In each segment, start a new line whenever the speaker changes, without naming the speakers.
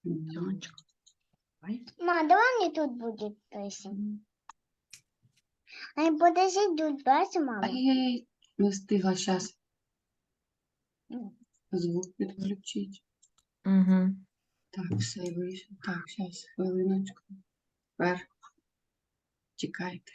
Сонечко. Давай.
Ма, давай мне тут будет песен. А подожди, тут песен, мама.
Ай-яй-яй, не встигла зараз звук підключити.
Угу.
Так, все вийшло. Так, зараз, хвилиночку. Тепер чекайте.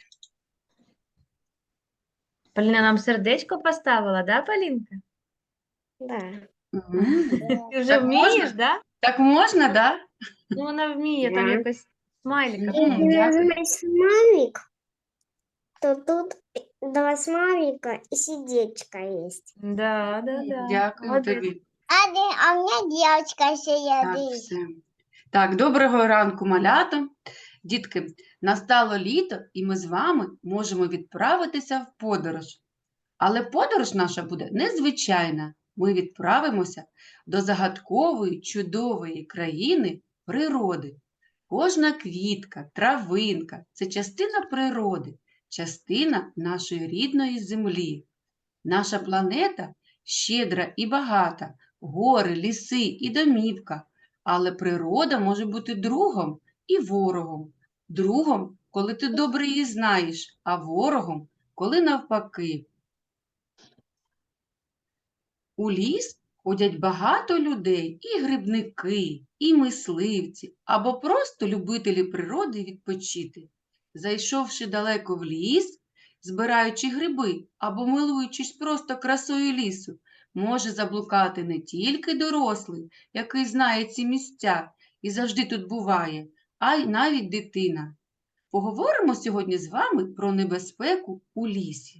Поліна нам сердечко поставила, да, Полінка?
Да.
Мгм.
Ти вже
Так
вмієш,
можна?
да?
Так можна, да?
Ну, вона вміє, там
Да.
якось смайлика.
Мгм. Дякую.
нажимаешь смайлик, то тут два смайлика и сердечко есть.
Да.
Дякую
Молодець.
тобі.
А у меня девочка
Так,
сидит.
все. Так, доброго ранку, малята. Дітки, настало літо, і ми з вами можемо відправитися в подорож. Але подорож наша буде незвичайна. Ми відправимося до загадкової, чудової країни природи. Кожна квітка, травинка – це частина природи, частина нашої рідної землі. Наша планета щедра і багата, гори, ліси і домівка. Але природа може бути другом і ворогом. Другом, коли ти добре її знаєш, а ворогом, коли навпаки. У ліс ходять багато людей, і грибники, і мисливці, або просто любителі природи відпочити. Зайшовши далеко в ліс, збираючи гриби або милуючись просто красою лісу, може заблукати не тільки дорослий, який знає ці місця і завжди тут буває, а й навіть дитина. Поговоримо сьогодні з вами про небезпеку у лісі.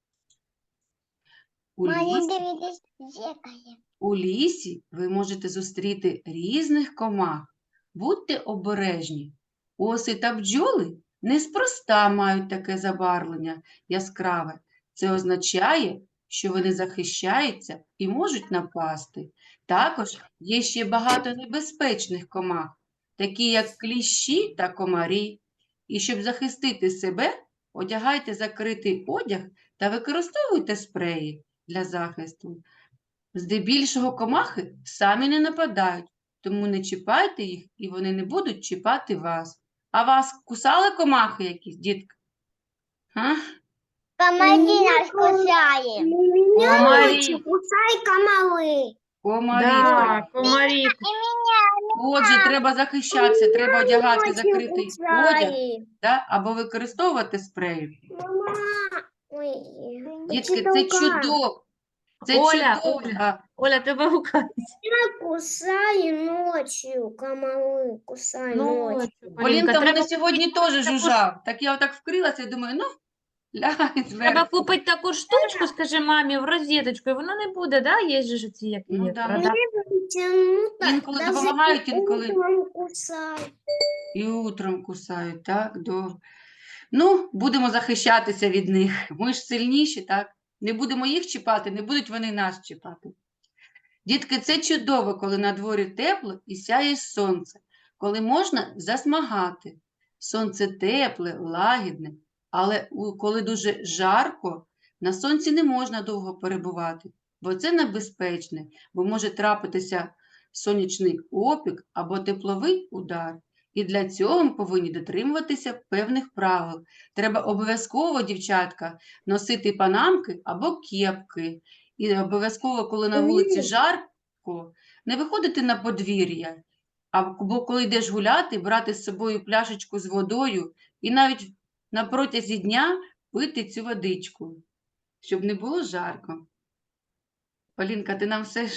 У
Маня,
лісі
дивитесь, зеркало.
У лісі ви можете зустріти різних комах. Будьте обережні. Оси та бджоли неспроста мають таке забарвлення яскраве. Це означає, що вони захищаються і можуть напасти. Також є ще багато небезпечних комах, такі як кліщі та комарі. І щоб захистити себе, одягайте закритий одяг та використовуйте спреї для захисту. Здебільшого комахи самі не нападають, тому не чіпайте їх, і вони не будуть чіпати вас. А вас кусали комахи якісь, дітки? А?
Комари нас кусает.
Комарі.
Кусай комары.
Комарі.
Да, комарі.
Отже, треба захищатися, треба одягати закритий одяг, да? Або використовувати спреї.
Мама. Ой.
Дітки, це чудово. Це
Оля,
чудово.
Оля. Оля, тебе гукають.
Кусай ночью, комары, кусай ночью.
Полінка в мене
треба
сьогодні теж жужжав. Так я отак вкрилася і думаю, ну, лягай
Треба
зверху.
купити таку штучку, скажи мамі, в розеточку, і воно не буде, да? Є ж ці, які
Ну,
є,
да.
продав.
Інколи допомагають, інколи
Кусай.
і утром кусають, так, добре. Ну, будемо захищатися від них. Ми ж сильніші, так? Не будемо їх чіпати, не будуть вони нас чіпати. Дітки, це чудово, коли на дворі тепло і сяє сонце, коли можна засмагати. Сонце тепле, лагідне, але коли дуже жарко, на сонці не можна довго перебувати, бо це небезпечне, бо може трапитися сонячний опік або тепловий удар. І для цього ми повинні дотримуватися певних правил. Треба обов'язково, дівчатка, носити панамки або кепки. І обов'язково, коли на вулиці жарко, не виходити на подвір'я, або коли йдеш гуляти, брати з собою пляшечку з водою і навіть на протязі дня пити цю водичку, щоб не було жарко. Полінка, ти нам все ж...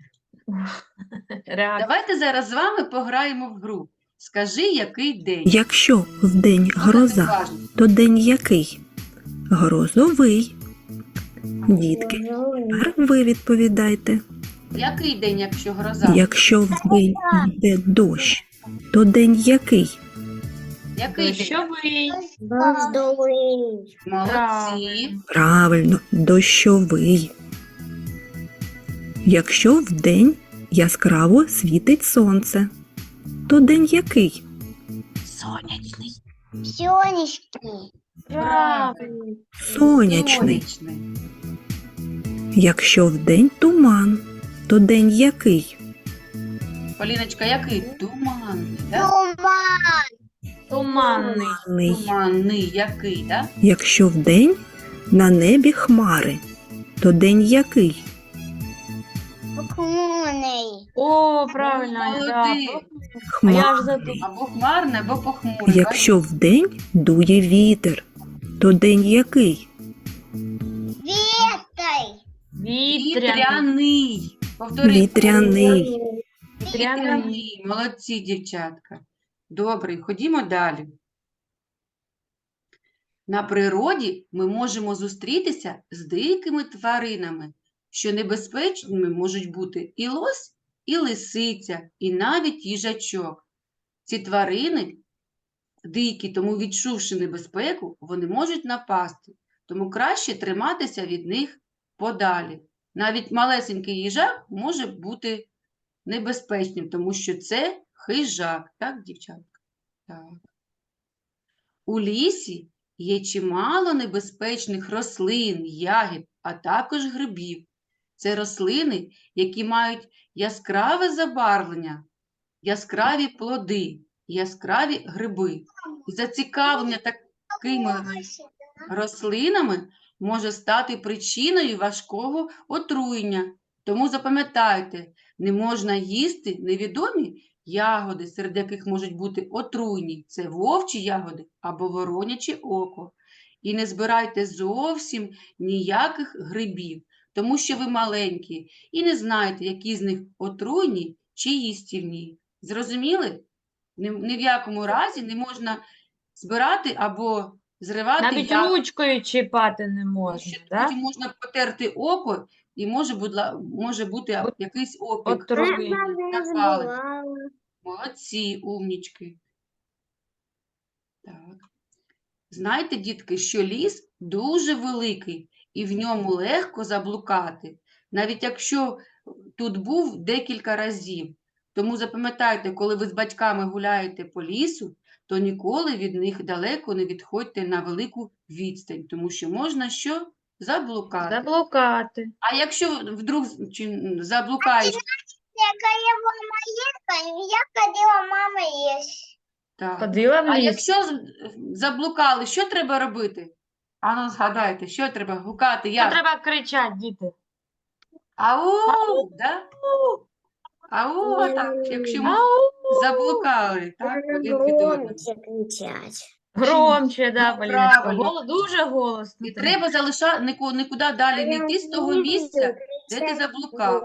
Реакція.
Давайте зараз з вами пограємо в гру. Скажи, який день.
Якщо вдень гроза,
Слухайте уважно.
то день який? Грозовий. Дітки, тепер ви відповідайте.
Який день, якщо гроза?
Якщо вдень йде дощ, то день який?
Який день?
Дощовий.
Дождовый.
Молодці.
Правильно, дощовий. Якщо вдень яскраво світить сонце, то день який?
Сонячний.
Сонечки.
Правильно.
Сонячний.
Сонячний.
Якщо вдень туман, то день який?
Поліночка, який? Туманний, да?
Туманний.
Ний.
Туманний, який, да?
Якщо вдень на небі хмари, то день який?
Похмурный.
О, правильно, Ань, да.
Молодець.
А я
Хмар.
ж задумала.
Або хмарний, або похмурий.
Якщо вдень дує вітер, то день який?
Ветой.
Вітряний.
Вітряний. Повтори.
Вітряний.
Вітряний. Молодці, дівчатка. Добре, ходімо далі. На природі ми можемо зустрітися з дикими тваринами, що небезпечними можуть бути і лось, і лисиця, і навіть їжачок. Ці тварини дикі, тому відчувши небезпеку, вони можуть напасти, тому краще триматися від них подалі. Навіть малесенький їжак може бути небезпечним, тому що це хижак, так, дівчатка? Так. У лісі є чимало небезпечних рослин, ягід, а також грибів. Це рослини, які мають яскраве забарвлення, яскраві плоди, яскраві гриби. І зацікавлення такими рослинами може стати причиною важкого отруєння. Тому запам'ятайте, не можна їсти невідомі ягоди, серед яких можуть бути отруйні. Це вовчі ягоди або вороняче око. І не збирайте зовсім ніяких грибів, тому що ви маленькі і не знаєте, які з них отруйні чи їстівні. Зрозуміли? Ні в якому разі не можна збирати або зривати
Навіть
ягоди.
ручкою чіпати не
Тому
можна,
що
да?
потім можна потерти око і може бути якийсь опік.
Отруєння.
Запалення. Молодці, умнічки. Так. Знаєте, дітки, що ліс дуже великий і в ньому легко заблукати, навіть якщо тут був декілька разів. Тому запам'ятайте, коли ви з батьками гуляєте по лісу, то ніколи від них далеко не відходьте на велику відстань, тому що можна що? Заблукати.
Заблукати.
А якщо вдруг заблукаєш,
Какая мама есть, я ходила, мама есть.
так.
Ходила в
А
ліс.
якщо заблукали, що треба робити? Ану, згадайте, що треба гукати?
Що
Як?
треба кричати, діти?
Ау, да? Ау, так, якщо ми заблукали, так, один від одного.
Громче кричать.
Громче, да,
Ну,
Поліночка.
правильно.
Дуже голосно.
І треба залишати, нікуди далі не йти з того місця, де ти заблукав.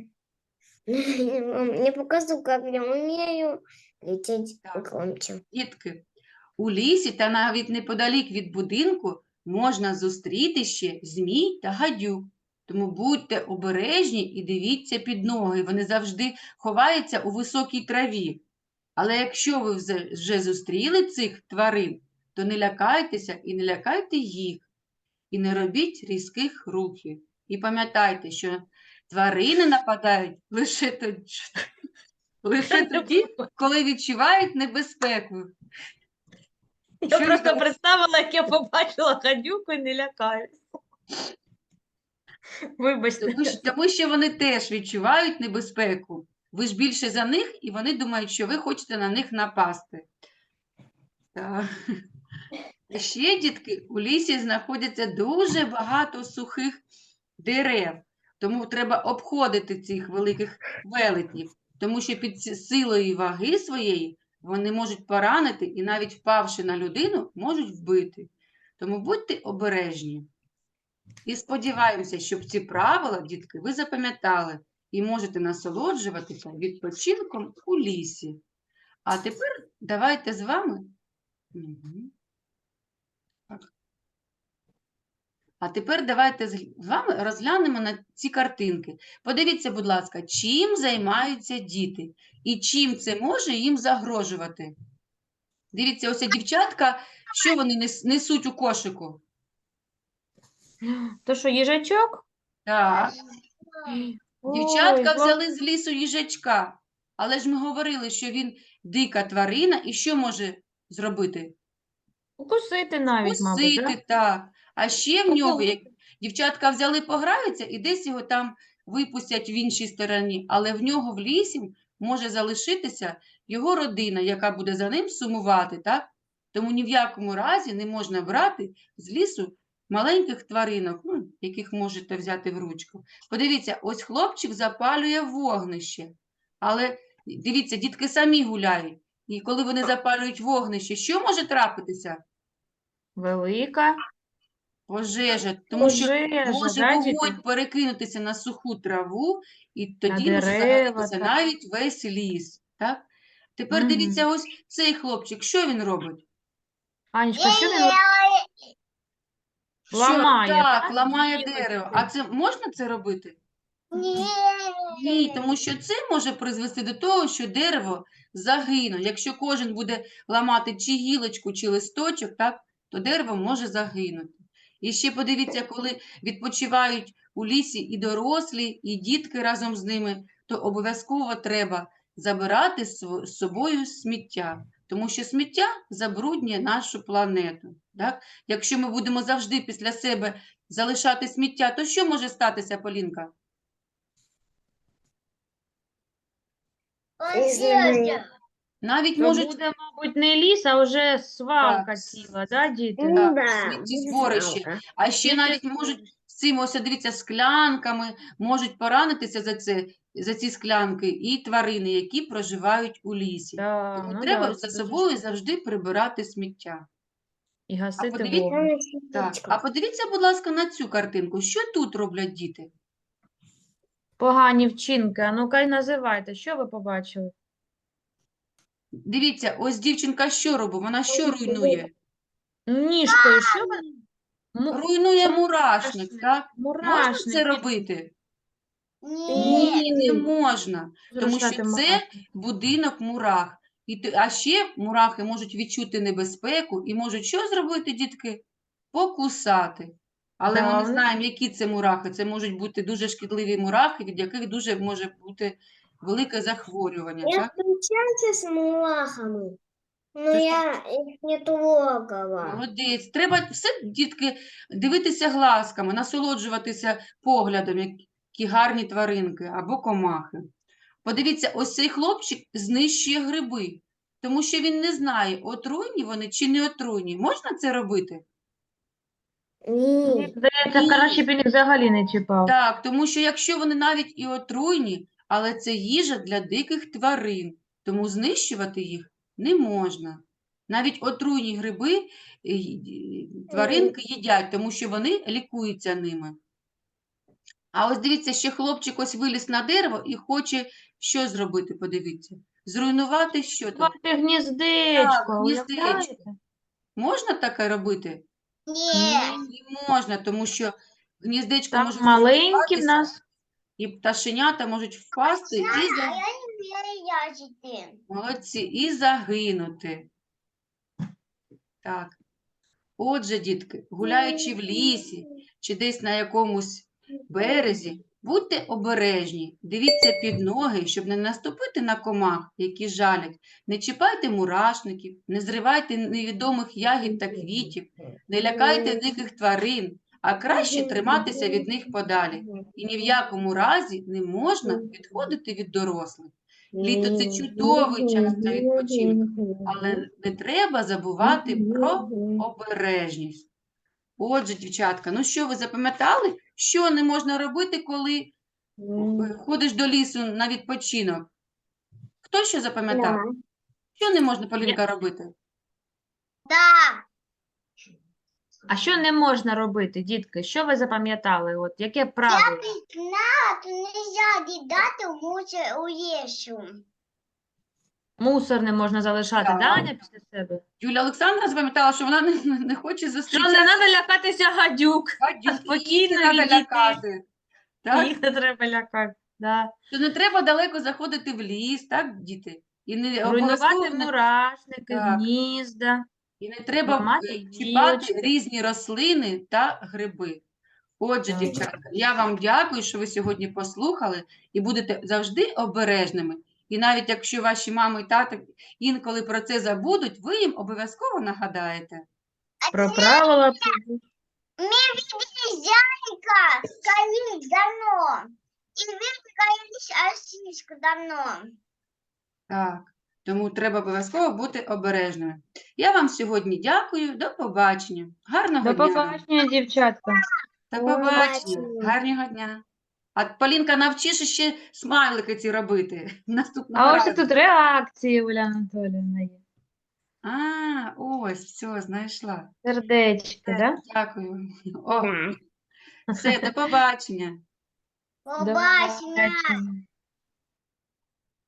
Не покажу, как я умею кричать
Так.
громче.
Дітки, у лісі та навіть неподалік від будинку можна зустріти ще змій та гадюк. Тому будьте обережні і дивіться під ноги. Вони завжди ховаються у високій траві. Але якщо ви вже зустріли цих тварин, то не лякайтеся і не лякайте їх. І не робіть різких рухів. І пам'ятайте, що тварини нападають лише тоді, коли відчувають небезпеку.
Я
Що
просто
ви-
представила, як я побачила гадюку і не лякаюсь. Вибачте.
Тому що вони теж відчувають небезпеку. Ви ж більше за них, і вони думають, що ви хочете на них напасти. Так. І ще, дітки, у лісі знаходиться дуже багато сухих дерев. Тому треба обходити цих великих велетнів, тому що під силою ваги своєї вони можуть поранити і навіть впавши на людину, можуть вбити. Тому будьте обережні. І сподіваємося, щоб ці правила, дітки, ви запам'ятали і можете насолоджуватися відпочинком у лісі. А тепер давайте з вами. Мгм. Так. А тепер давайте з вами розглянемо на ці картинки. Подивіться, будь ласка, чим займаються діти і чим це може їм загрожувати. Дивіться, ось дівчатка, що вони несуть у кошику?
То що, їжачок?
Так.
Ой,
Дівчатка взяли з лісу їжачка, але ж ми говорили, що він дика тварина і що може зробити?
укусити навіть, мабуть, да?
Кусити, так. А ще в нього, як дівчатка взяли, пограються і десь його там випустять в іншій стороні, але в нього в лісі може залишитися його родина, яка буде за ним сумувати, так? Тому ні в якому разі не можна брати з лісу маленьких тваринок, ну, яких можете взяти в ручку. Подивіться, ось хлопчик запалює вогнище. Але дивіться, дітки самі гуляють. І коли вони запалюють вогнище, що може трапитися?
Велика
Пожежа. Тому що
пожежа,
може
да, діти?
вогонь перекинутися на суху траву, і
На
тоді може
дерева,
загорітися
так.
навіть весь ліс. Так? Тепер дивіться, ось цей хлопчик, що він робить?
Анечка, що він
Що?
ламає?
Так,
да,
ламає
гілочки?
дерево. А це можна це робити? Ні, тому що це може призвести до того, що дерево загине. Якщо кожен буде ламати чи гілочку, чи листочок, так, то дерево може загинути. І ще подивіться, коли відпочивають у лісі і дорослі, і дітки разом з ними, то обов'язково треба забирати з собою сміття, тому що сміття забруднює нашу планету. Так? Якщо ми будемо завжди після себе залишати сміття, то що може статися, Полінка? Навіть
То
можуть
буде, мабуть, не ліс, а вже свалка
Так.
ціла, да, діти?
Ну да,
сміттєзборище.
жалко.
А ще навіть можуть з цим, ось дивіться, склянками можуть поранитися за ці склянки і тварини, які проживають у лісі.
Да,
Тому
ну
треба
да,
за
це
собою
дуже
завжди прибирати сміття.
і гасити
подивіться-
вогонь.
Так. А подивіться, будь ласка, на цю картинку. Що тут роблять діти?
Погані вчинки. А ну-ка й називайте, що ви побачили?
Дивіться, ось дівчинка що робить? Вона що руйнує?
Ніжкою, що ви?
Руйнує
це
мурашник, так? Можна
Мурашник.
це робити?
Ні.
Ні, не можна. Тому що
Зрушати
це
мурашник.
будинок мурах. А ще мурахи можуть відчути небезпеку і можуть що зробити, дітки? Покусати. Але ми
Да,
не
вони-
знаємо, які це мурахи. Це можуть бути дуже шкідливі мурахи, від яких дуже може бути велике захворювання.
Я
Так?
встречался с мурахами, но
Ты
я их не трогала.
Молодець. Треба все, дітки, дивитися глазками, насолоджуватися поглядом, які гарні тваринки або комахи. Подивіться, ось цей хлопчик знищує гриби, тому що він не знає, отруйні вони чи не отруйні. Можна це робити?
Ні.
Здається,
Ні.
краще б він їх взагалі не чіпав.
Так, тому що якщо вони навіть і отруйні, але це їжа для диких тварин, тому знищувати їх не можна. Навіть отруйні гриби тваринки їдять, тому що вони лікуються ними. А ось дивіться, ще хлопчик ось виліз на дерево і хоче що зробити, подивіться. Зруйнувати що тут?
Звати гніздечко,
гніздечко.
уявляєте?
Можна таке робити?
Ні.
Не можна, тому що гніздечко
Там
може
маленькі в
зруйнуватися,
нас.
і пташенята можуть впасти
Я
молодці, і загинути. Так. Отже, дітки, гуляючи в лісі чи десь на якомусь березі, будьте обережні, дивіться під ноги, щоб не наступити на комах, які жалять. Не чіпайте мурашників, не зривайте невідомих ягід та квітів, не лякайте диких тварин, а краще триматися від них подалі. І ні в якому разі не можна відходити від дорослих. Літо – це чудовий час для відпочинку, але не треба забувати про обережність. Отже, дівчатка, ну що, ви запам'ятали, що не можна робити, коли ходиш до лісу на відпочинок? Хто що запам'ятав? Що не можна, Полінка, робити?
А що не можна робити, дітки? Що ви запам'ятали? От яке правило?
нельзя кидати мусор у лісу.
Мусор не можна залишати,
Так.
да, Аня, після себе?
Юлія Олександра запам'ятала, що вона не хоче
Що
зустрічати
не треба лякатися гадюк.
гадюк,
спокійно
їх не треба
відійти.
лякати. Так?
Їх не треба лякати. Да.
Що не треба далеко заходити в ліс, так, діти? І не обов'язково
Руйнувати
не
мурашники,
Так.
гнізда.
І не треба
Ламати
чіпати
гілочки.
різні рослини та гриби. Отже,
Так.
дівчатка, я вам дякую, що ви сьогодні послухали і будете завжди обережними. І навіть якщо ваші мами і тати інколи про це забудуть, ви їм обов'язково нагадаєте.
Про правила.
Зайка, колись давно. И вы говорили осичку давно.
Так, тому треба обов'язково бути обережними. Я вам сьогодні дякую. До побачення. Гарного
До
дня вам.
побачення, дівчатка.
До
До
побачення.
побачення.
Гарного дня. А Полінка, навчиш ще смайлики ці робити наступного
А ось і
разу.
тут реакції, Уля Анатоліївна є.
А, ось, все, знайшла.
Сердечки, да?
Дякую. О,
Да.
все, до побачення.
До побачення.